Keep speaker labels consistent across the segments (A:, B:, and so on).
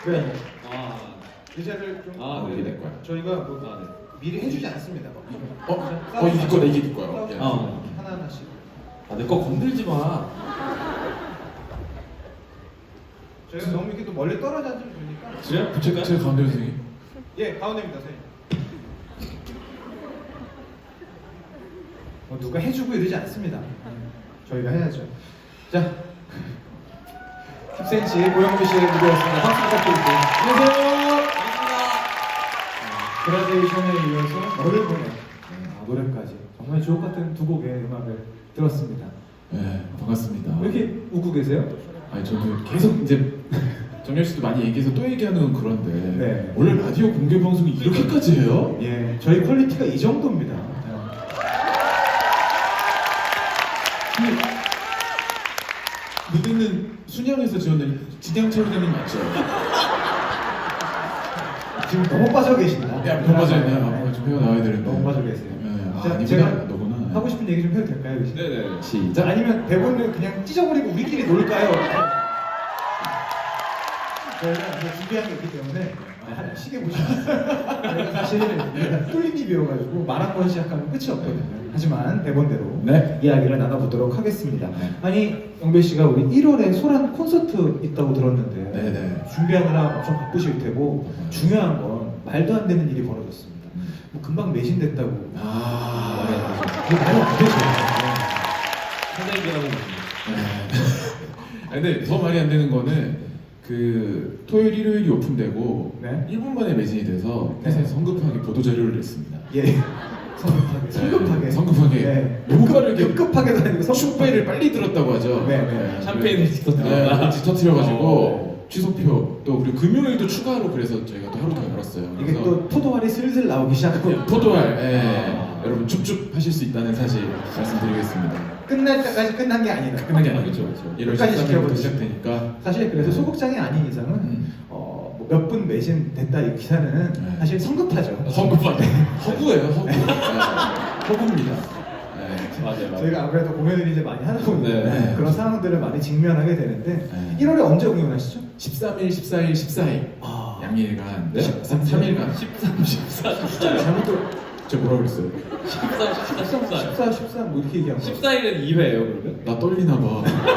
A: 네.
B: 아,
A: 의자를 좀
B: 이게 내 거야.
A: 저희가 뭐
B: 네.
A: 미리 해주지 않습니다.
C: 이게 거 이게 네 거예요. 예.
A: 하나하나씩.
B: 내 거 건들지 마.
A: 저희가 너무 이렇게 또 멀리 떨어져 앉으면 되니까.
B: 제가 붙일까요?
C: 제 가운데 선생님.
A: 예, 가운데입니다, 선생님. 뭐 누가 해주고 이러지 않습니다. 저희가 해야죠. 자, 10cm 고영미 씨의 무대였습니다. 박수 부탁드릴게요. 안녕하세요. 그라데이션에 이어서 너를 보내 노래까지 정말 주옥 같은 두 곡의 음악을 들었습니다.
C: 네, 반갑습니다.
A: 왜 이렇게 웃고 계세요?
C: 아니 저는 계속 이제 정열 씨도 많이 얘기해서 또 얘기하는 건 그런데
A: 네.
C: 원래 라디오 공개 방송이 이렇게까지 해요?
A: 예, 저희 퀄리티가 이 정도입니다.
C: 무대는 순양에서 지었는 진양철이님 맞죠?
A: 지금 너무 빠져 계신다.
C: 야, 너무 빠져 있나요? 아, 좀 헤어 나와야 되는데.
A: 너무 빠져 계세요.
C: 네, 아,
A: 자,
C: 아니구나.
A: 제가
C: 너구나.
A: 하고 싶은 얘기 좀 해도 될까요, 여기서?
B: 네네.
C: 시작.
A: 아니면 대본을 그냥 찢어버리고 우리끼리 놀까요? 저희가 이제 준비한 게 있기 때문에 시계 보시면 저희가 사실 뚫린 입이어가지고 말 한 번 시작하면 끝이 없거든요. 하지만 대본대로
C: 네.
A: 이야기를 나눠보도록 하겠습니다.
C: 네.
A: 아니 영배 씨가 우리 1월에 소란 콘서트 있다고 들었는데
C: 네네.
A: 준비하느라 엄청 바쁘실 테고 중요한 건 말도 안 되는 일이 벌어졌습니다. 뭐 금방 매진됐다고
C: 아.
A: 그게 말이 안 되죠.
B: 사장님이라고
C: 네. 아, 근데 더 말이 안 되는 거는 그 토요일 일요일이 오픈되고
A: 네.
C: 1분 만에 매진이 돼서
A: 네.
C: 회사에서 성급하게 보도 자료를 냈습니다.
A: 예. 성급하게.
C: 네, 성급하게.
A: 네.
C: 너무 빠르게.
A: 급하게도 아니고
C: 축배를 빨리 들었다고 하죠.
A: 네, 네.
B: 샴페인을 터뜨렸다.
C: 네, 터뜨려가지고 취소표 또 그리고 금요일도 추가로 그래서 저희가 또 하루 더 열었어요.
A: 이게
C: 그래서
A: 또 포도알이 슬슬 나오기 시작하고
C: 포도알, 여러분 줍줍 하실 수 있다는 사실 말씀드리겠습니다.
A: 끝날 때까지 끝난 게 아니다.
C: 끝난 게 아니죠.
B: 그렇죠.
C: 1월
A: 끝까지
C: 13일부터
A: 지켜보죠.
C: 시작되니까.
A: 사실 그래서 소극장이 아닌 이상은 몇 분 매진 됐다 이 기사는
C: 네.
A: 사실 성급하죠.
C: 허구하네. 허구예요, 허구. 네. 허구입니다. 네.
B: 맞아요.
A: 저희가 아무래도 공연을 이제 많이 하다 보니까
C: 네.
A: 그런 상황들을 많이 직면하게 되는데
C: 네.
A: 1월에 언제 공연하시죠?
C: 13일, 14일, 14일.
A: 아.
C: 양일간.
B: 네?
C: 3일간.
B: 13, 14, 14.
A: 잘못 들
C: 제가 뭐라 그랬어요?
B: 13, 14, 14.
A: 14, 13 뭐 이렇게 얘기한 거.
B: 14일은 2회예요, 그러면?
C: 나 떨리나 봐.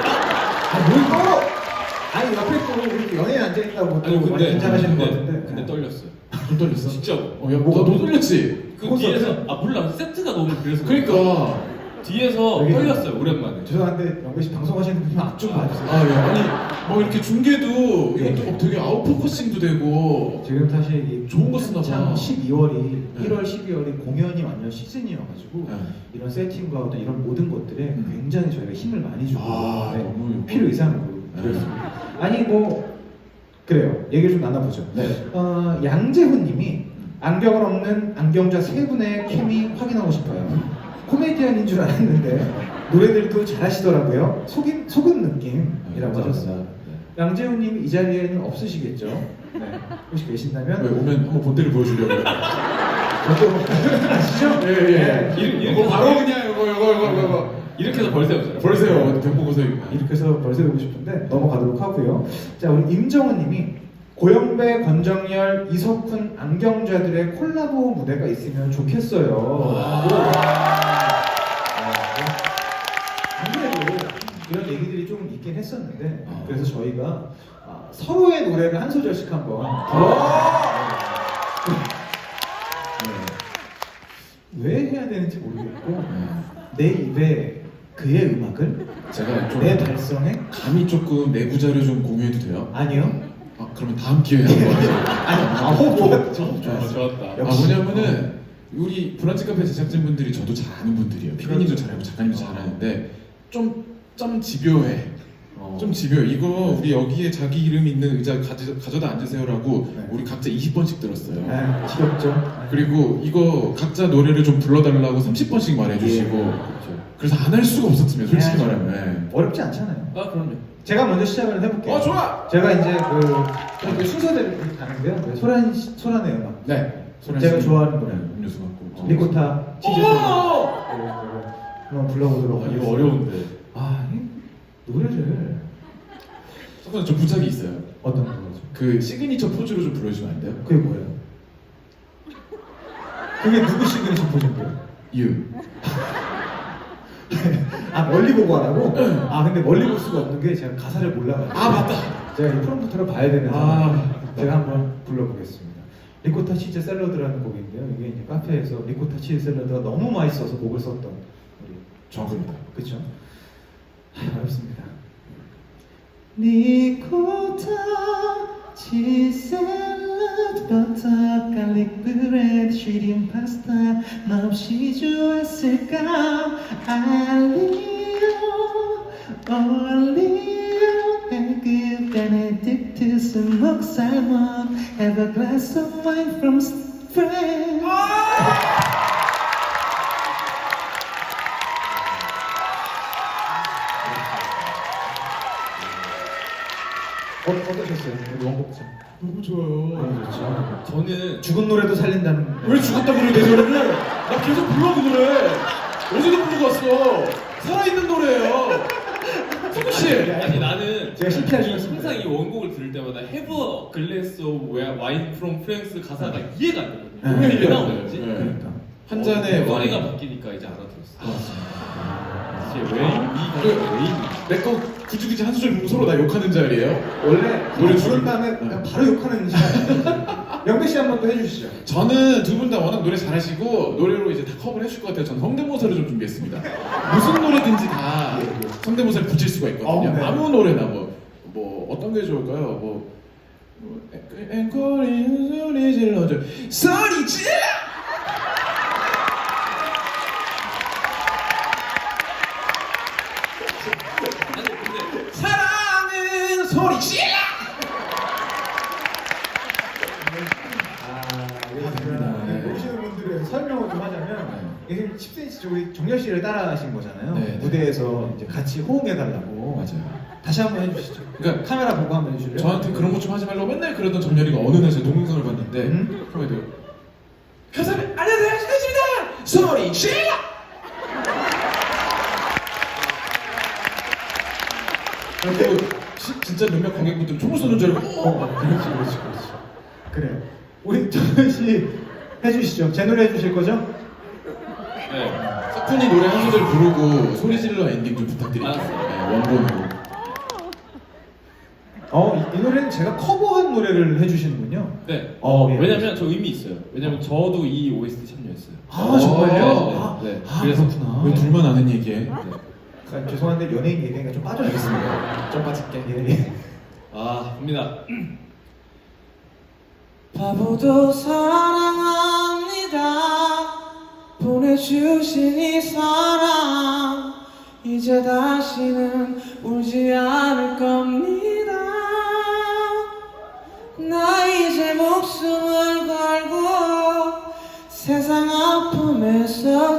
A: 뭘 떨어? 아니 옆에 또 우리 연예인 앉아 있다고 또 많이 긴장하시는 것 같은데.
B: 근데 떨렸어요.
C: 좀 떨렸어?
B: 진짜.
C: 야, 너도 떨렸지?
B: 그
A: 콘서트?
B: 뒤에서 몰라 세트가 너무 그래서
C: 그러니까.
B: 뒤에서
A: 여기-
B: 떨렸어요 오랜만에.
A: 죄송한데 영배 씨 방송하시는 분이 앞좀 봐주세요.
C: 아, 예. 아니, 뭐 이렇게 중계도
A: 예.
C: 이것도 되게 아웃포커싱도 되고.
A: 지금 사실 이
C: 좋은 거 쓰나 봐.
A: 참 12월이
C: 네.
A: 1월, 12월이 공연이 완전 시즌이어가지고
C: 네.
A: 이런 세팅과 어떤 이런 모든 것들에 굉장히 저희가 힘을 많이 주고
C: 아,
A: 네,
C: 너무
A: 필요 이상으로
C: 네.
A: 그렇습니다. 아니 뭐 그래요. 얘기를 좀 나눠보죠.
C: 네.
A: 양재훈님이 안경을 없는 안경자 세 분의 케미 확인하고 싶어요. 코미디언인 줄 알았는데 노래들도 잘하시더라고요. 속은 느낌이라고 하셨어요. 양재훈님 이 자리에는 없으시겠죠? 네. 혹시
C: 왜
A: 계신다면
C: 오면 한번 본때를 보여주려고요.
A: 저도 아시죠?
C: 예, 예.
B: 이거
C: 이거 바로 그냥 이거.
B: 이렇게 해서 벌써요.
C: 벌써요. 경보고서
A: 이렇게 해서 벌써 보고 싶은데 넘어가도록 하고요. 자, 우리 임정은님이 고영배, 권정열, 이석훈 안경자들의 콜라보 무대가 있으면 좋겠어요. 안 그래도 이런 얘기들이 좀 있긴 했었는데 그래서 저희가 서로의 노래를 한 소절씩 한번 왜 해야 되는지 모르겠고 내 입에 그의 음악을
C: 제가 좀
A: 내 발성에
C: 감이 조금 내부 자료 좀 공유해도 돼요?
A: 아니요.
C: 아, 그러면 다음 기회에 한번 하죠.
A: 아니 호흡
B: 좋았다.
A: 역시.
C: 뭐냐면은 우리 브런치 카페 제작진분들이 저도 잘 아는 분들이에요. 피디님도 잘하고 작가님도 잘하는데 좀 집요해. 좀 집요해. 이거 우리 여기에 자기 이름 있는 의자 가져다 앉으세요라고
A: 네.
C: 우리 각자 20번씩 들었어요.
A: 아, 지겹죠.
C: 그리고 이거 각자 노래를 좀 불러달라고 30번씩 말해주시고
A: 예.
C: 그래서 안 할 수가 없었으면 솔직히
A: 해야죠.
C: 말하면.
A: 어렵지 않잖아요.
B: 아 그럼요.
A: 제가 먼저 시작을 해볼게요.
C: 좋아.
A: 제가 이제 그 순서대로 이렇게 가는데요. 네, 소란의 음악.
C: 네.
A: 제가 좋아하는 노래.
C: 음료수 갖고.
A: 리코타 치즈 소리. 한번 불러보도록
B: 이거
A: 하겠습니다.
B: 어려운데.
A: 이 노래를
C: 잠깐 좀 부탁이 있어요.
A: 어떤 거죠?
C: 그 시그니처 포즈로 좀 불러주면 안 돼요?
A: 그게 뭐예요? 그게 누구 시그니처 포즈인데요?
C: You.
A: 아 멀리 보고 하라고? 아 근데 멀리 볼 수가 없는 게 제가 가사를 몰라가지고
C: 아 맞다.
A: 제가 이 프롬프터를 봐야 되는
C: 아.
A: 상황 제가 한번 불러보겠습니다. 리코타 치즈 샐러드라는 곡인데요. 이게 이제 카페에서 리코타 치즈 샐러드가 너무 맛있어서 곡을 썼던 우리
C: 정확합니다.
A: 그렇죠? 어렵습니다. 리코타 치즈 샐러드 버터 갈릭 브레드 쉬린 파스타 몹시 좋았을까 알리오 올리오 에그 베네딕트 스모크 살몬 Have a glass of wine from France 어떠셨어요? 우리 원곡자
C: 너무 좋아요.
A: 너무 좋죠.
B: 저는
A: 죽은 노래도 살린다는
C: 왜 죽었다 그래 내 노래를? 나 계속 불러 그 노래. 어제도 부르고 왔어. 살아있는 노래예요. 승우 씨.
B: 아니 나는
A: 제가 실패할 줄 알았습니다.
B: 항상 이 원곡을 들을 때마다 Have a glass of wine from France 가사가 이해가 안 되거든요.
A: 네.
B: 왜 나오는 거지?
C: 네.
A: 그러니까
C: 한 잔의
B: 소리가
C: 와인.
B: 바뀌니까 이제 알아들었어. 이제 왜 이 가사가 왜 있는
C: 내거 굳이 한 소절 부르고 서로 나 욕하는 자리예요.
A: 원래
C: 노래
A: 부른 다음에 그냥 바로 욕하는 시간. 영배 씨 한 번 더 해주시죠.
C: 저는 두 분 다 워낙 노래 잘하시고 노래로 이제 다 커버를 해줄 것 같아요. 전 성대모사를 좀 준비했습니다. 무슨 노래든지 다 성대모사를 붙일 수가 있거든요.
A: 네.
C: 아무 노래나 뭐 어떤 게 좋을까요? 앵콜인 소리 질러줘 소리 질러!
B: 아니 근데
C: 사랑은 소리 질러!
A: 네, 오시는 분들의 설명을 좀 하자면 이게 10cm 쪽이 정렬 씨를 따라하신 거잖아요.
C: 네, 네.
A: 무대에서 이제 같이 호응해달라고.
C: 맞아요.
A: 다시 한번 해주시죠.
C: 그러니까
A: 카메라 보고 한번 해주실래요?
C: 저한테 그런 거 좀 하지 말라고 맨날 그러던 정렬이가 어느 날 제 동영상을 봤는데 그럼에도 회사를 안녕하세요 신혜입니다 소리 질러! 그리고 진짜 몇몇 관객분들은 총을 쏘는 줄 알고
A: 그렇지. 그래요. 우리 정렬 씨 해주시죠. 제 노래 해주실 거죠?
B: 네.
C: 사푼이 노래 한 소절 부르고 소리 질러 엔딩 좀 부탁드릴게요.
B: 알았어요.
C: 네, 원본으로.
A: 이 노래는 제가 커버한 노래를 해주시는군요.
B: 네.
A: 예.
B: 왜냐면 저 의미 있어요. 왜냐면 저도 이 OST 참여했어요.
A: 아 정말요?
B: 네.
A: 아,
B: 그래서
A: 그렇구나.
C: 왜 둘만 아는 얘기해?
A: 아, 죄송한데 연예인 얘기가 좀 빠져야겠습니다.
C: 좀 빠질게.
A: 예.
B: 아, 갑니다.
D: 바보도 사랑합니다. 보내주신 이 사랑 이제 다시는 울지 않을 겁니다. 나 이제 목숨을 걸고 세상 아픔에서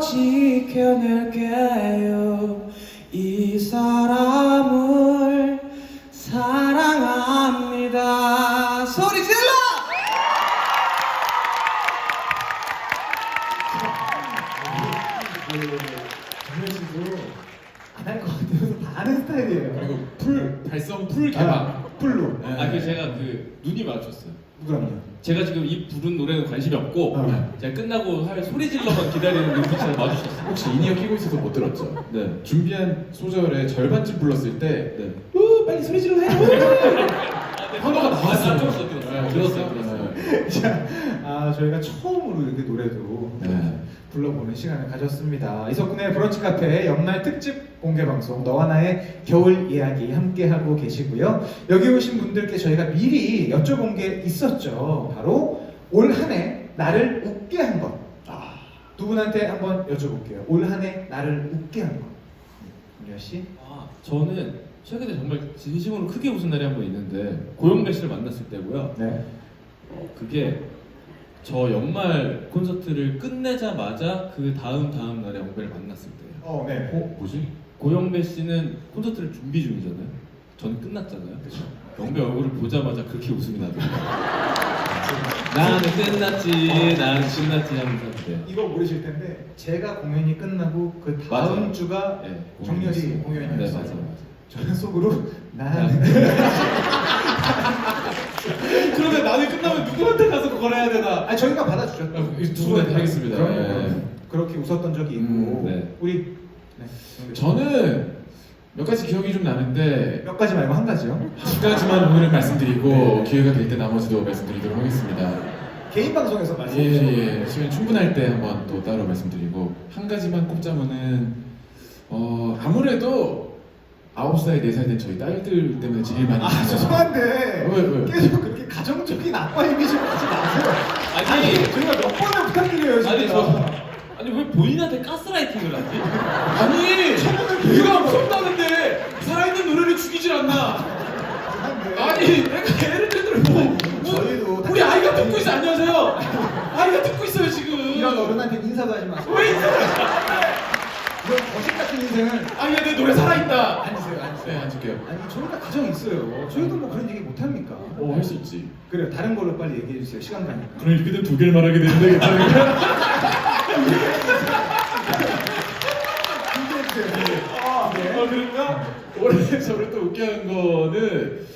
D: 지켜낼게요. 이 사람을 사랑합니다. 소리 질러!
A: 정렬 씨도 안 할 것 같아서 다 아는 스타일이에요.
C: 그리고 발성 풀 개방.
A: 풀로.
C: 네.
B: 아, 그 제가 그 눈이 마주쳤어요.
A: 누구랑요?
B: 제가 지금 이 부른 노래는 관심이 없고
A: 어.
B: 제가 끝나고 할 소리 질러만 기다리는 눈빛을 마주쳤어요.
C: 혹시 인이어 끼고 있어서 못 들었죠?
B: 네.
C: 준비한 소절의 절반쯤 불렀을 때
B: 네.
C: 빨리 소리 질러 해! 한거가 나왔어요.
B: 아, 들었어요.
A: 자, 저희가 처음으로 이렇게 노래도
C: 네.
A: 불러보는 시간을 가졌습니다. 이석훈의 브런치 카페 연말 특집 공개 방송 너와 나의 겨울 이야기 함께 하고 계시고요. 여기 오신 분들께 저희가 미리 여쭤본 게 있었죠. 바로 올 한 해 나를 웃게 한 것. 두 분한테 한번 여쭤볼게요. 올 한 해 나를 웃게 한 것. 김유아 씨.
B: 아, 저는 최근에 정말 진심으로 크게 웃은 날이 한 번 있는데 고영배 씨를 만났을 때고요.
A: 네.
B: 그게 저 연말 콘서트를 끝내자마자 그 다음 날에 영배를 만났을 때예요.
A: 네.
C: 뭐지?
B: 고영배 씨는 콘서트를 준비 중이잖아요. 저는 끝났잖아요.
A: 그렇죠.
B: 영배 얼굴을 보자마자 그렇게 웃음이 나더라고요. 나는 끝났지, 나는 끝났지 하면서 네.
A: 이거 모르실 텐데 제가 공연이 끝나고 그 다음
B: 맞아요.
A: 주가
B: 네,
A: 정렬이
B: 네,
A: 공연이었어요.
B: 맞아요.
A: 저는 속으로 나는
C: 그런데 나는 끝나면 누구한테 가서 그걸 해야 되나?
A: 아 저희가 받아주죠.
C: 두 분한테 하겠습니다.
A: 그럼요.
C: 네.
A: 그렇게 웃었던 적이 있고
B: 네.
A: 우리
C: 저는 몇 가지 기억이 좀 나는데
A: 몇 가지 말고 한 가지요.
C: 두 가지만 오늘은 말씀드리고
A: 네.
C: 기회가 될 때 나머지도 말씀드리도록 하겠습니다.
A: 개인 방송에서 말씀해 주세요.
C: 예, 시간 충분할 때 한번 또 따로 말씀드리고 한 가지만 꼽자면은 아무래도 9살, 4살 된 저희 딸들 때문에 제일 많이
A: 아 죄송한데
C: 왜?
A: 계속 그렇게 가정적인 아빠 이미지를 하지 마세요.
B: 아니,
A: 저희가 몇 번을 부탁드려요 진짜.
B: 아니 왜 본인한테 가스라이팅을 하지?
C: 아니 얘가 무섭다는데 살아있는 노래를 죽이질 않나? 아니 내가 예를 들어
A: 저희도
C: 우리 아이가 듣고 있어. 안녕하세요. 아이가 듣고 있어요 지금.
A: 이런 어른한테 인사도 하지 마세요.
C: 왜 인사를?
A: 이런 거식 같은 인생은
C: 아이야 내 노래 살아있다.
A: 앉으세요.
C: 네 앉을게요.
A: 아니 저희가 가정이 있어요. 저희도 뭐 그런 얘기 못 합니까?
C: 할 수 있지.
A: 그래요. 다른 걸로 빨리 얘기해 주세요. 시간 가니까.
C: 그럼 이렇게 되면 두 개를 말하게 되는데 괜찮을까요? 그런가? 올해 저를 또 웃게 한 거는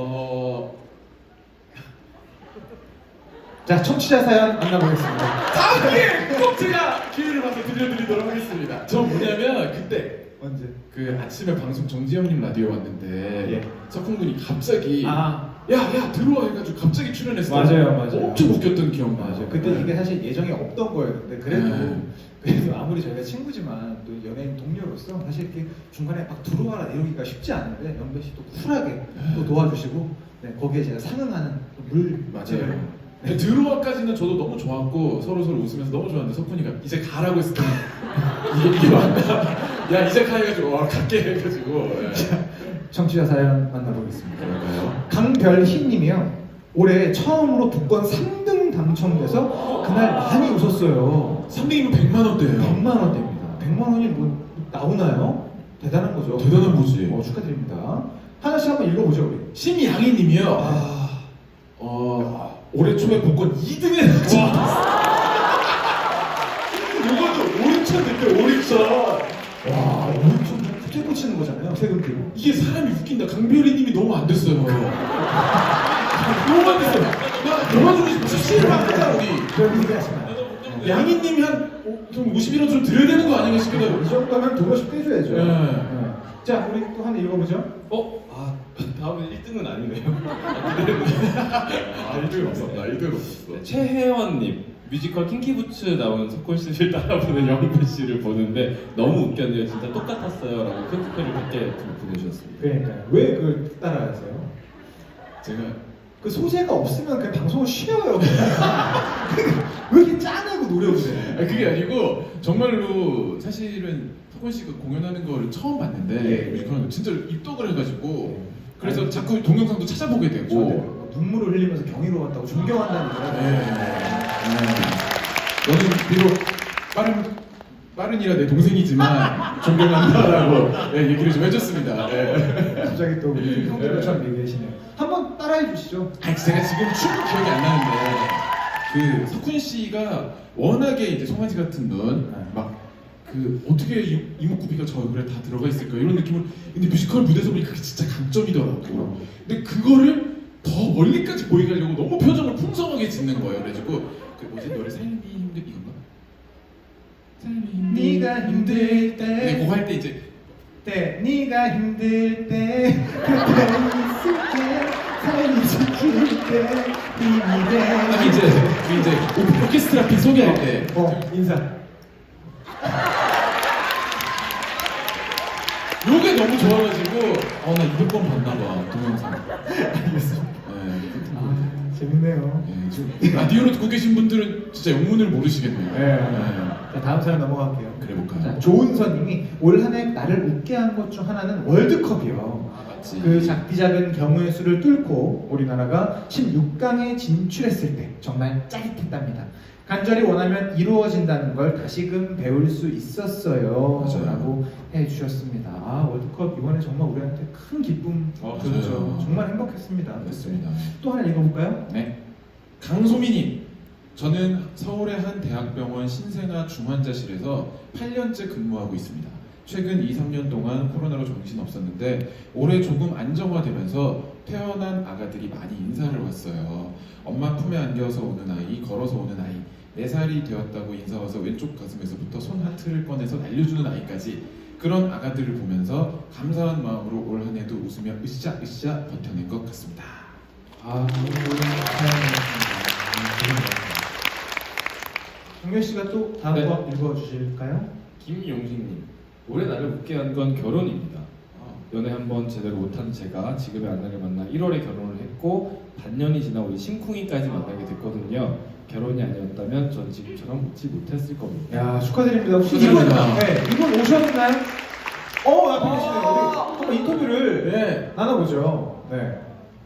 A: 자 청취자 사연 만나보겠습니다.
C: 다음에 꼭 제가 기회를 봐서 들려드리도록 하겠습니다. 저 뭐냐면 그때
A: 언제?
C: 그 아침에 방송 정지영님 라디오 왔는데
A: 예.
C: 석훈군이 갑자기
A: 아
C: 야 들어와 해가지고 갑자기 출연했어.
A: 맞아요.
C: 엄청 웃겼던 기억나.
A: 맞아요. 그때 이게 사실 예정이 없던 거였는데 그래도
C: 네.
A: 그래도 아무리 저희가 친구지만 또 연예인 동료로서 사실 이렇게 중간에 막 들어와라 이러기가 쉽지 않은데 연배 씨 또 쿨하게 또 도와주시고 네, 거기에 제가 상응하는 물
C: 맞아요. 근데 들어와까지는 저도 너무 좋았고 서로 웃으면서 너무 좋았는데 석훈이가 이제 가라고 했을 때 이게 맞나? 야 이제 가 해가지고 갈게 해가지고
A: 청취자 사연 만나보겠습니다.
C: 그럴까요?
A: 강별희님이요. 올해 처음으로 복권 3등 당첨돼서 그날 많이 웃었어요.
C: 3등이면 100만 원대예요.
A: 100만 원대입니다. 100만 원이 뭐 나오나요? 대단한 거죠.
C: 대단한 거지.
A: 축하드립니다. 하나씩 한번 읽어보죠 우리.
C: 심양희님이요. 올해 초에 복권 2등에 당첨됐어. 이것도 5천 됐대 5천.
A: 와, 오늘 좀 후퇴 꽂히는 거잖아요. 세금 들고.
C: 이게 사람이 웃긴다. 강별이님이 너무 안 됐어요. 너무 안 됐어요. 나 도와주고 싶어. 수시를 하자 우리.
A: 그런 얘기 하지 마.
C: 양희님이 좀 51원 좀 드려야 되는 거 아닌가 싶기도 하고.
A: 이 정도면 도로씩 빼줘야죠.
C: 네.
A: 네. 자, 우리 또 한번 읽어보죠.
B: 다음에 1등은 아니네요.
C: 1등 없었다. 1등 없었어.
B: 네, 최혜원님 뮤지컬 킹키부츠 나온 석훈 씨를 따라보는 영배 씨를 보는데 너무 웃겼네요. 진짜 똑같았어요라고 큰 스크린을 100개 보내주셨습니다.
A: 그러니까요. 왜 그걸 따라하세요?
C: 제가
A: 그 소재가 없으면 그냥 방송을 쉬어요. 왜 이렇게 짠하고 노력을 해?
C: 그게 아니고 정말로 사실은 석훈 씨가 공연하는 거를 처음 봤는데
A: 예.
C: 뮤지컬 진짜 입덕을 해가지고
A: 예.
C: 그래서
A: 아니,
C: 자꾸 동영상도 찾아보게 되고
A: 저한테 눈물을 흘리면서 경이로웠다고 존경한다는
C: 네.
A: 얘기를
C: 너는 비록 빠른이라 내 동생이지만 존경한다라고 얘기를 좀 해줬습니다. 네.
A: 갑자기 또 우리 형들처럼 얘기하시네요. 한번 따라해 주시죠.
C: 아니, 제가 지금 춤 기억이 안 나는데 그 석훈 씨가 워낙에 이제 송아지 같은 눈 막 그 어떻게 이목구비가 저 얼굴에 다 들어가 있을까 이런 느낌을 근데 뮤지컬 무대에서 보니까 그게 진짜 강점이더라고. 근데 그거를 더 멀리까지 보이게 하려고 너무 표정을 풍성하게 짓는 거예요. 그래가지고 그 뭐지 노래 삶이 힘들 이건가? 삶이
A: 네가 힘들 때
C: 네, 그거 할 때 이제
A: 네가 힘들 때 그때 있을게 삶이 지킬 때 힘이 돼.
C: 딱 이제 오케스트라 핀 소개할 때
A: 인사.
C: 요게 너무 좋아가지고 나 200번 봤나봐 동영상.
A: 알겠습니다.
C: 네,
A: 재밌네요.
C: 지금 라디오로 듣고 계신 분들은 진짜 영문을 모르시겠네요.
A: 네. 자, 다음 사연 넘어갈게요.
C: 그래 볼까요?
A: 자, 조은서님이 올 한 해 나를 웃게 한 것 중 하나는 월드컵이요.
C: 맞지.
A: 그 작디 작은 경우의 수를 뚫고 우리나라가 16강에 진출했을 때 정말 짜릿했답니다. 간절히 원하면 이루어진다는 걸 다시금 배울 수 있었어요.
C: 맞아요.
A: 라고 해주셨습니다. 월드컵 이번에 정말 우리한테 큰 기쁨 줬죠.
C: 맞아요.
A: 정말 행복했습니다.
C: 맞습니다.
A: 또 하나 읽어볼까요?
C: 네. 강소민님, 저는 서울의 한 대학병원 신생아 중환자실에서 8년째 근무하고 있습니다. 최근 2, 3년 동안 코로나로 정신 없었는데 올해 조금 안정화되면서 태어난 아가들이 많이 인사를 왔어요. 엄마 품에 안겨서 오는 아이, 걸어서 오는 아이, 4살이 되었다고 인사 와서 왼쪽 가슴에서부터 손 하트를 꺼내서 날려주는 아이까지 그런 아가들을 보면서 감사한 마음으로 올 한 해도 웃으며 으쌰으쌰 버텨낸 것 같습니다.
A: 아, 정렬 씨가 또 다음
B: 네.
A: 거 읽어주실까요?
B: 김용식님, 올해 나를 웃게 한 건 결혼입니다. 연애 한 번 제대로 못한 제가 지금의 안나를 만나 1월에 결혼을 했고 반년이 지나 우리 심쿵이까지 만나게 됐거든요. 결혼이 아니었다면 전 지금처럼 웃지 못했을 겁니다.
A: 야, 축하드립니다. 혹시 이분,
C: 축하드립니다.
A: 네, 이분 오셨나요? 앞에 계시네요. 우리 한번 인터뷰를
C: 네.
A: 나눠보죠. 네.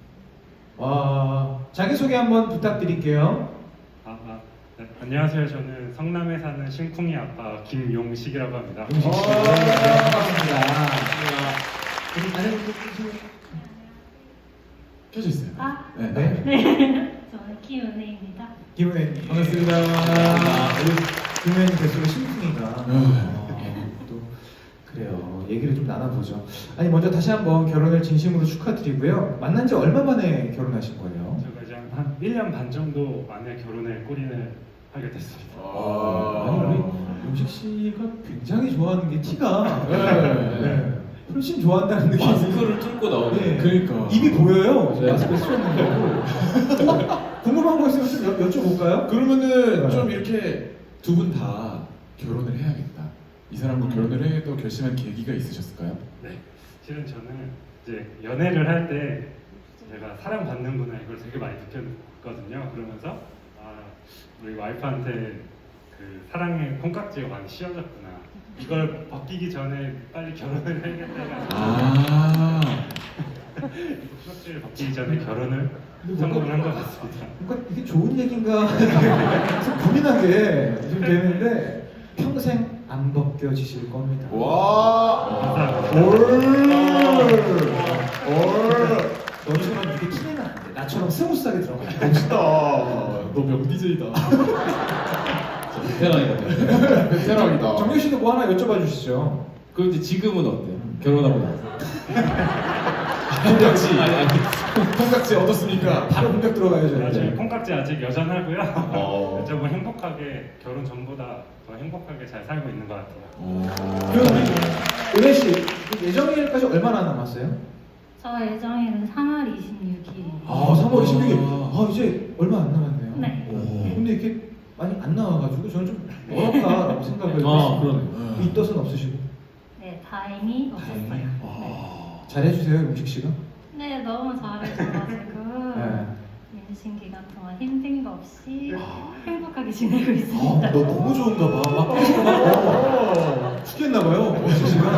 A: 와, 자기소개 한번 부탁드릴게요.
E: 네, 안녕하세요. 저는 성남에 사는 심쿵이 아빠 김용식이라고 합니다.
A: 용식 씨. 반갑습니다. 우리 다른 분들
C: 켜져 있어요.
F: 아.
C: 네.
A: 네.
F: 네, 저는 김은혜입니다.
A: 김은혜님.
C: 반갑습니다.
A: 우리 김은혜님 뱃속에 심쿵이가.
C: 네.
A: 또 그래요. 얘기를 좀 나눠보죠. 아니 먼저 다시 한번 결혼을 진심으로 축하드리고요. 만난 지 얼마 만에 결혼하신 거예요?
E: 제가 이제 한 1년 반 정도 만에 결혼에 골인을 하게 됐습니다.
A: 아니 우리 용식 씨가 굉장히 좋아하는 게 티가
C: 네.
A: 훨씬 좋아한다는 느낌이.
B: 마스크를 뚫고 나오네.
A: 네.
C: 그러니까.
A: 입이 보여요.
B: 네.
A: 마스크 쓰셨는데도. 궁금한 거 있으면 좀 여쭤볼까요?
C: 그러면은
A: 네.
C: 좀 이렇게 두 분 다 결혼을 해야겠다. 이 사람과 결혼을 해야겠다고 결심한 계기가 있으셨을까요?
E: 네, 실은 저는 이제 연애를 할 때 제가 사랑받는구나 이걸 되게 많이 느꼈거든요. 그러면서 우리 와이프한테 그 사랑의 콩깍지가 많이 씌워졌구나. 이걸 벗기기 전에 빨리 결혼을 해야겠다.
C: 아.
E: 콩깍지를 벗기기 전에 결혼을 성공을 한 것 같습니다.
A: 뭔가 이게 좋은 얘기인가 계속 고민하게 좀 되는데 평생 안 벗겨지실 겁니다.
C: 와.
A: 너처럼 이게 티내면 안 돼. 나처럼 스무스하게 들어가.
C: 멋있다. 너 명DJ다.
B: 베테랑이거든요.
C: 베테랑이다.
A: 정규 씨도 뭐 하나 여쭤봐 주시죠.
B: 그럼 이제 지금은 어때요? 결혼하고 나서.
C: 콩깍지.
B: 아니.
C: 콩깍지 얻었습니까?
A: 바로 본격 들어가야죠.
E: 저희
A: 이제.
E: 콩깍지 아직 여전하고요.
C: 어.
E: 저 뭐 행복하게 결혼 전보다 더 행복하게 잘 살고 있는 것 같아요.
A: 그럼 우리 은혜 씨 예정일까지 얼마나 남았어요?
F: 저 예정일은 3월 26일입니다.
A: 3월 26일. 이제 얼마 안 남았네요.
F: 네.
A: 근데 이렇게 많이 안 나와가지고 저는 좀 어렵다라고 생각을
B: 그러네.
A: 이 뜻은 없으시고.
F: 네, 다행히 없었어요.
A: 다행히.
F: 네.
A: 잘해주세요, 용식 씨가.
F: 네, 너무 잘해줘가지고
A: 네.
F: 임신 기간 동안 힘든 거 없이 행복하게 지내고 있습니다.
A: 너 너무 좋은가 봐. 막 계속 막 죽겠나 봐요, 용식 씨가.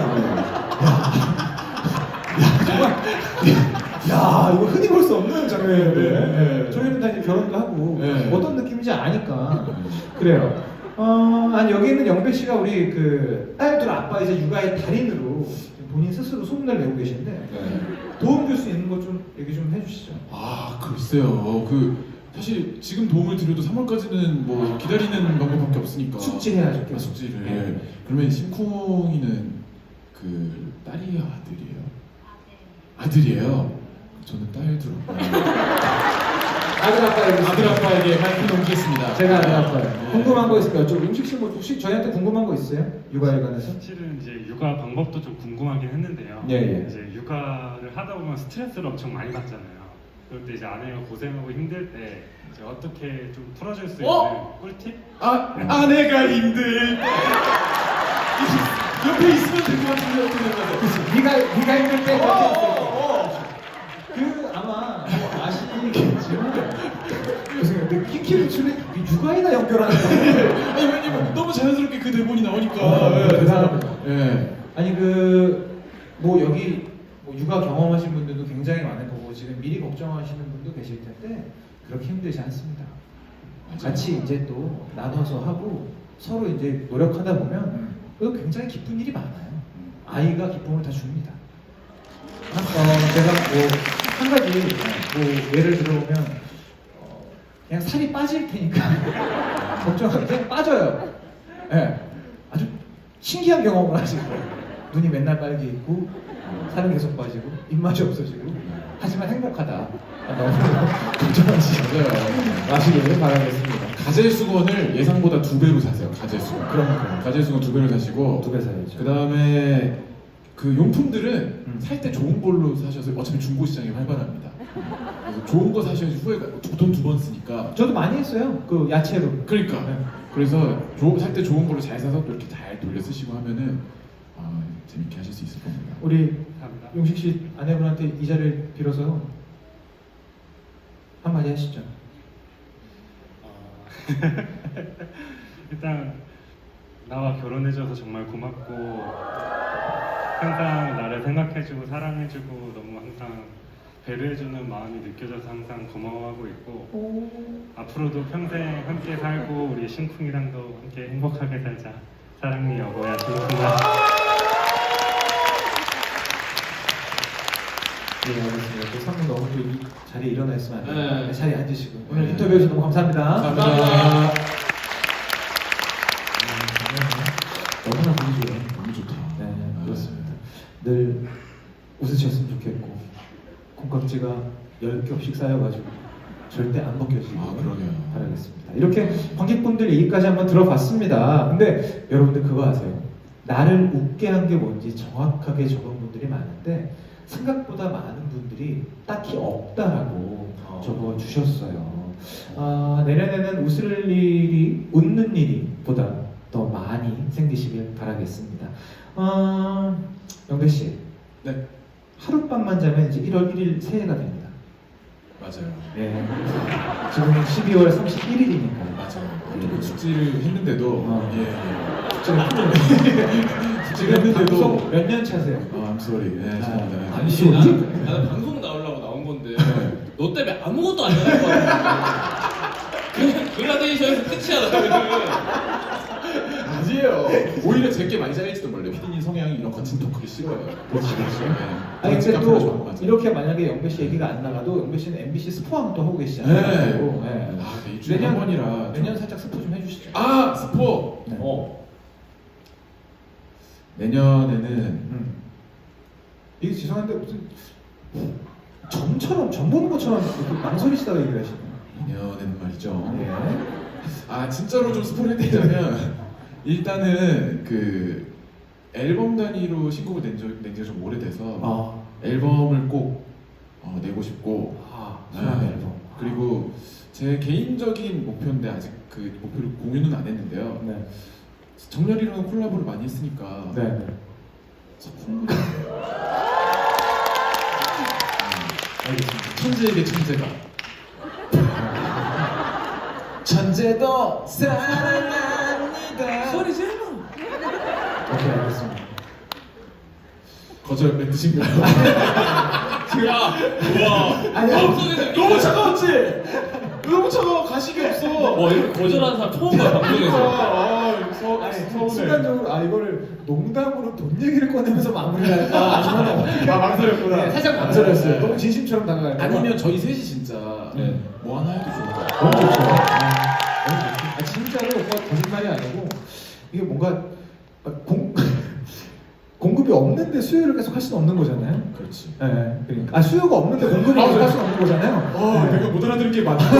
A: 정말. 야, 이거 흔히 볼 수 없는 장면인데. 저희는 다 이제 결혼도 하고
C: 네.
A: 어떤 느낌인지 아니까. 그래요. 아니 여기 있는 영배 씨가 우리 그 딸들 아빠 이제 육아의 달인으로 본인 스스로 소문을 내고 계신데
C: 네.
A: 도움 줄 수 있는 거 좀 얘기 좀 해주시죠.
C: 글쎄요. 사실 지금 도움을 드려도 3월까지는 뭐 기다리는 방법밖에 없으니까.
A: 숙지해야죠, 계속.
C: 숙지를.
A: 네.
C: 그러면 심쿵이는 그 딸이에요, 아들이에요?
F: 아, 네.
C: 아들이에요. 저는 딸 들었고요.
A: 아들 아빠에게
C: 아들 아빠에게 마이크 넘기겠습니다.
A: 제가 아들 아빠예요. 궁금한 거 있을까요? 저 음식 씨 뭐 혹시 저희한테 궁금한 거 있어요? 육아에 관해서?
E: 실은 이제 육아 방법도 좀 궁금하긴 했는데요.
A: 예, 예.
E: 이제 육아를 하다 보면 스트레스를 엄청 많이 받잖아요. 그럴 때 이제 아내가 고생하고 힘들 때 이제 어떻게 좀 풀어줄 수 있는 꿀팁?
C: 아내가 힘들 때 옆에 있으면 될 것 같은데 어떻게 생각하세요?
A: 네가 힘들 때 그 아마 뭐 아시겠지만 무슨 그 킹키부츠는 육아에다 연결하는 거예요.
C: 아니 왜냐면 너무 자연스럽게 그 대본이 나오니까.
A: 대단합니다.
C: 예.
A: 아니 뭐 여기 뭐 육아 경험하신 분들도 굉장히 많을 거고 지금 미리 걱정하시는 분도 계실 텐데 그렇게 힘들지 않습니다. 같이 이제 또 나눠서 하고 서로 이제 노력하다 보면 그 굉장히 기쁜 일이 많아요. 아이가 기쁨을 다 줍니다. 제가 뭐 한 가지 뭐 예를 들어보면 그냥 살이 빠질 테니까 걱정하지 그냥 빠져요. 예, 아주 신기한 경험을 하실 거예요. 눈이 맨날 빨개 있고 살은 계속 빠지고 입맛이 없어지고 하지만 행복하다. 너무 걱정하지 마시길 바라겠습니다.
C: 가젤수건을 예상보다 2배로 사세요. 가젤수건.
A: 그럼
C: 가젤수건 2배로 사시고
A: 2배 사야죠.
C: 그 다음에 그 용품들은 살 때 좋은 걸로 사셔서 어차피 중고 시장이 활발합니다. 그래서 좋은 거 사셔야지 후회가 돈 2번 쓰니까.
A: 저도 많이 했어요. 그 야채로.
C: 그러니까
A: 네.
C: 그래서 살 때 좋은 걸로 잘 사서 또 이렇게 잘 돌려 쓰시고 하면은 재밌게 하실 수 있을 겁니다.
A: 우리
E: 감사합니다.
A: 용식 씨 아내분한테 이 자리를 빌어서 한마디 하시죠.
E: 일단 나와 결혼해줘서 정말 고맙고 항상 나를 생각해주고 사랑해주고 너무 항상 배려해주는 마음이 느껴져서 항상 고마워하고 있고 앞으로도 평생 함께 살고 우리 심쿵이랑도 함께 행복하게 살자. 사랑해 여보야 심쿵아.
A: 네, 알겠습니다. 또 상무 너무 또 이 자리에 일어나 있으면 안 돼요.
B: 네.
A: 자리에 앉으시고 오늘
C: 네.
A: 인터뷰 해주셔서 너무 감사합니다.
C: 감사합니다.
A: 너무나 보기 좋아요.
C: 너무 좋다.
A: 네, 그렇습니다. 늘 웃으셨으면 좋겠고 콩깍지가 10겹씩 쌓여가지고 절대 안 벗겨지길
C: 그러게요.
A: 바라겠습니다. 이렇게 관객분들 얘기까지 한번 들어봤습니다. 근데 여러분들 그거 아세요? 나를 웃게 한 게 뭔지 정확하게 적은 분들이 많은데 생각보다 많은 분들이 딱히 없다라고 적어주셨어요. 내년에는 웃는 일이 보다 더 많이 생기시길 바라겠습니다. 영배 씨,
C: 네,
A: 하룻밤만 자면 이제 1월 1일 새해가 됩니다.
C: 맞아요.
A: 네. 지금 12월 31일이니까.
C: 맞아요. 숙지를 했는데도 숙지를 했는데도
A: 몇 년 차세요?
C: I'm sorry. 네, 죄송합니다.
B: 아니
A: 소리?
B: 나는 방송 나오려고 나온 건데 너 때문에 아무것도 안 나갈 거 같아. 그냥 글라데이션에서 끝이야 너희들.
C: 아니에요. 오히려 제게 많이 잘릴지도 몰라요. 피디님 성향이 이런 거친 토크를 싫어해요.
A: 그렇지, 그렇지.
C: 네.
A: 아니 근데
C: 앞으로 좋은 거
A: 또
C: 맞아요.
A: 이렇게 만약에 영배 씨 얘기가 안 나가도 영배 씨는 MBC 스포왕 또 하고
C: 네.
A: 계시잖아요.
C: 네, 일주일에 한 번이라
A: 내년 살짝 스포 좀 해주시죠.
C: 스포.
A: 네.
C: 내년에는
A: 이게 죄송한데 무슨 점처럼 점 보는 것처럼 이렇게 망설이시다가 얘기를 하시네요.
C: 내년에는 말이죠.
A: 네.
C: 진짜로 좀 스포를 해드리자면 일단은 그 앨범 단위로 신곡을 낸 지가 좀 오래돼서 앨범을 꼭 내고 싶고
A: 수납
C: 네.
A: 앨범.
C: 그리고 제 개인적인 목표인데 아직 그 목표를 공유는 안 했는데요.
A: 네.
C: 정렬이랑 콜라보를 많이 했으니까
A: 네. 네.
C: 작품
A: 알겠습니다.
C: 천재에게 천재가 천재도 사랑합니다.
D: 소리 질러.
A: 오케이, 알겠습니다.
C: 거절 멘트신가요?
A: 아니,
C: 너무 차가웠지? 너무 차가워. 가식이 없어.
B: 이렇게 거절하는 사람 처음 봐요 방송에서.
A: 아니, 순간적으로 이거를 농담으로 돈 얘기를 꺼내면서 마무리를 할까? 아니면
C: 망설였구나.
A: 네, 살짝 망설였어요. 너무 진심처럼 다가갈까?
C: 아니면 저희 셋이 진짜
B: 네.
C: 뭐 하나 해도 좋을 것 같아요.
A: 너무 좋죠. 너무 좋죠. 진짜로 오빠 거짓말이 아니고 이게 뭔가 공급이 없는데 수요를 계속 할 수는 없는 거잖아요.
C: 그렇지.
A: 네, 그러니까 수요가 없는데 공급이 계속 할 수는 없는 거잖아요. 네.
C: 내가 못 알아들은 게 많아.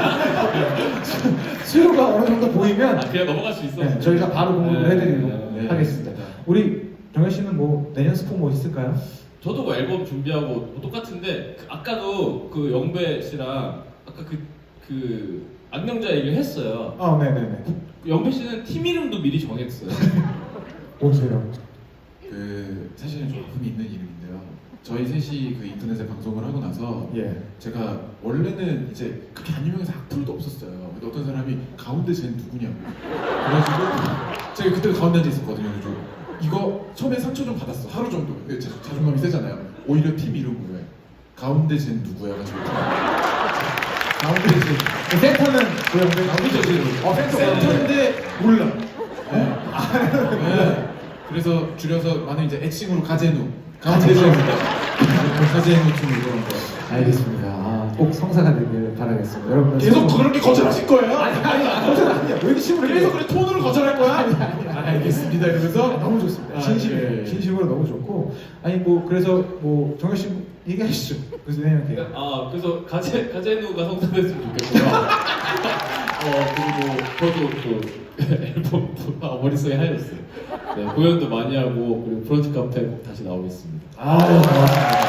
A: 수요가 어느 정도 보이면
B: 그냥 넘어갈 수 있어.
A: 네, 저희가 바로 공급을 해드리도록
C: 네.
A: 하겠습니다. 우리 정현 씨는 뭐 내년 스포 뭐 있을까요?
B: 저도 뭐 앨범 준비하고 뭐 똑같은데 아까도 그 영배 씨랑 아까 그 안경자 얘기를 했어요.
A: 네네네.
B: 영배 씨는 팀 이름도 미리 정했어요.
A: 보세요.
C: 사실은 좀 아픔이 있는 이름인데요. 저희 셋이 그 인터넷에 방송을 하고 나서
A: 예.
C: 제가 원래는 이제 그렇게 안 유명해서 악플도 없었어요. 근데 어떤 사람이 가운데 쟤는 누구냐고. 그래가지고 제가 그때 가운데 앉아 있었거든요. 그래서 이거 처음에 상처 좀 받았어. 하루 정도. 근데 자존감이 세잖아요. 오히려 팀 이름으로 해. 가운데 쟤는 누구야? 가지고
A: 가운데 씨. 센터는 고영배.
C: 가운데 쟤는 센터인데 몰라. 네. 그래서 줄여서 많은 이제 애칭으로 가제누. 가운데 쟤입니다. 가제누 팀 이런 거.
A: 알겠습니다. 꼭 성사가 되길 바라겠습니다. 여러분들
C: 계속 그렇게 거절하실 거예요?
A: 거절 아니야. 왜 이렇게 심을
C: 계속 그래 톤으로 거절할 거야? 알겠습니다. 이러면서
A: 너무 좋습니다.
C: 예.
A: 진심으로 너무 좋고 아니 뭐 그래서 뭐 정현 씨 얘기하시죠. 그래서 생각해요.
B: 그래서 가제누가 성사됐으면 좋겠고요. 그리고 저도 또 앨범 머릿속에 하였어요. 네, 공연도 많이 하고 그리고 브런치 카페 꼭 다시 나오겠습니다.
A: 고맙습니다.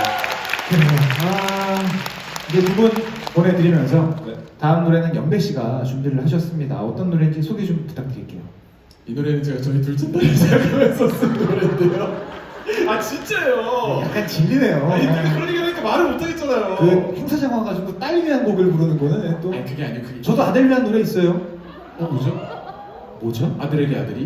A: 이제 두 분 보내드리면서
B: 네.
A: 다음 노래는 영배 씨가 준비를 하셨습니다. 어떤 노래인지 소개 좀 부탁드릴게요.
C: 이 노래는 제가 저희 둘째 딸이 생각하면서 쓴 노래인데요. 아 진짜요?
A: 약간 질리네요.
C: 아니 그런 얘기 하니까 말을 못하겠잖아요.
A: 그 행사장 와가지고 딸 위한 곡을 부르는 거는 또
C: 아니 그게 아니고 그게
A: 저도 아들 위한 노래 있어요.
C: 뭐죠?
A: 뭐죠?
C: 아들에게 아들이?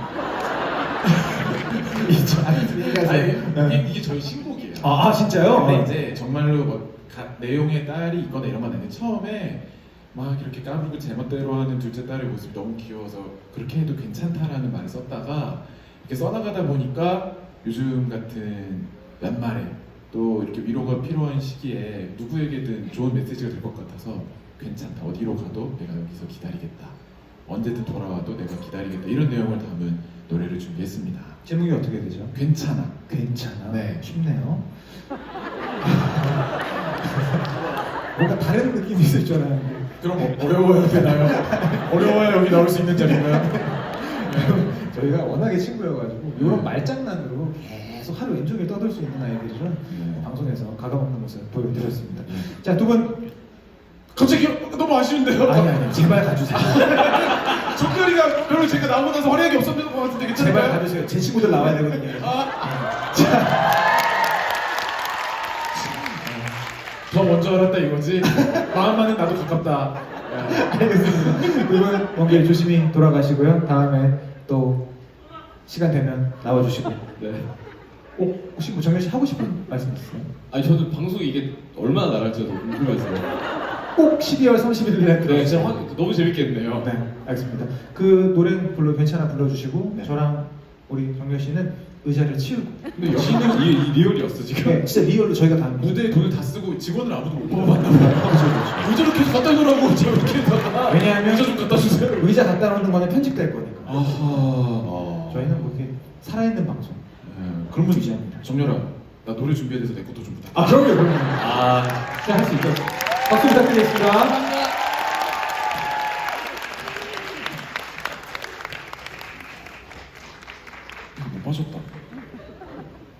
C: 아니 이게 저희 신곡이에요.
A: 진짜요?
C: 근데 이제 정말로 뭐 내용에 딸이 있거나 이런 건 아닌데 처음에 막 이렇게 까불고 제멋대로 하는 둘째 딸의 모습이 너무 귀여워서 그렇게 해도 괜찮다라는 말을 썼다가 이렇게 써나가다 보니까 요즘 같은 연말에 또 이렇게 위로가 필요한 시기에 누구에게든 좋은 메시지가 될 것 같아서 괜찮다. 어디로 가도 내가 여기서 기다리겠다. 언제든 돌아와도 내가 기다리겠다. 이런 내용을 담은 노래를 준비했습니다.
A: 제목이 어떻게 되죠?
C: 괜찮아.
A: 괜찮아.
C: 네.
A: 쉽네요. 뭔가 다른 느낌이 있을 줄 알았는데.
C: 그럼 어려워야 되나요? 어려워야 여기 나올 수 있는 자리인가요?
A: 저희가 워낙에 친구여가지고 이런 말장난으로 계속 하루 왼쪽에 떠들 수 있는 아이들이죠. 방송에서 가감없는 모습 보여드렸습니다. 자, 두 분.
C: 갑자기 너무 아쉬운데요?
A: 아니 제발 가주세요.
C: 정렬이가 별로 제가 나오고 나서 활약이 없었던 것 같은데
A: 제발
C: 괜찮을까요?
A: 가주세요. 제 친구들 나와야 되거든요.
C: 더 먼저 알았다 이거지? 마음만은 나도 가깝다.
A: 알겠습니다. 두분 먼길 조심히 돌아가시고요. 다음에 또 시간 되면 나와주시고.
B: 네.
A: 혹시 뭐 정현 씨 하고 싶은 말씀 있으세요?
B: 아니 저도 방송이 이게 얼마나 나갈지 궁금해서요.
A: 꼭 12월 30일 날
B: 네, 진짜 너무 재밌겠네요.
A: 네, 알겠습니다. 그 노래 괜찮아 불러주시고 저랑 우리 정현 씨는 의자를 치우고.
B: 근데 여기는 이 리얼이었어 지금.
A: 네, 진짜 리얼로 저희가 다 합니다.
C: 무대에 돈을 다 쓰고 직원을 아무도 못 뽑아봤나 봐요. 의자로 계속 갖다 주라고 제가 이렇게 해서
A: 왜냐하면
C: 의자 좀 갖다 주세요.
A: 의자 갖다 놓는 거는 편집될 거니까.
C: 아하.
A: 저희는 뭐 이렇게 살아있는 방송.
C: 그러면
A: 유지합니다.
C: 정렬아, 나 노래 준비해야 돼서 내 것도 좀 부탁해.
A: 그럼요. 할 수 있죠. 박수 부탁드리겠습니다.
C: 못 빠졌다.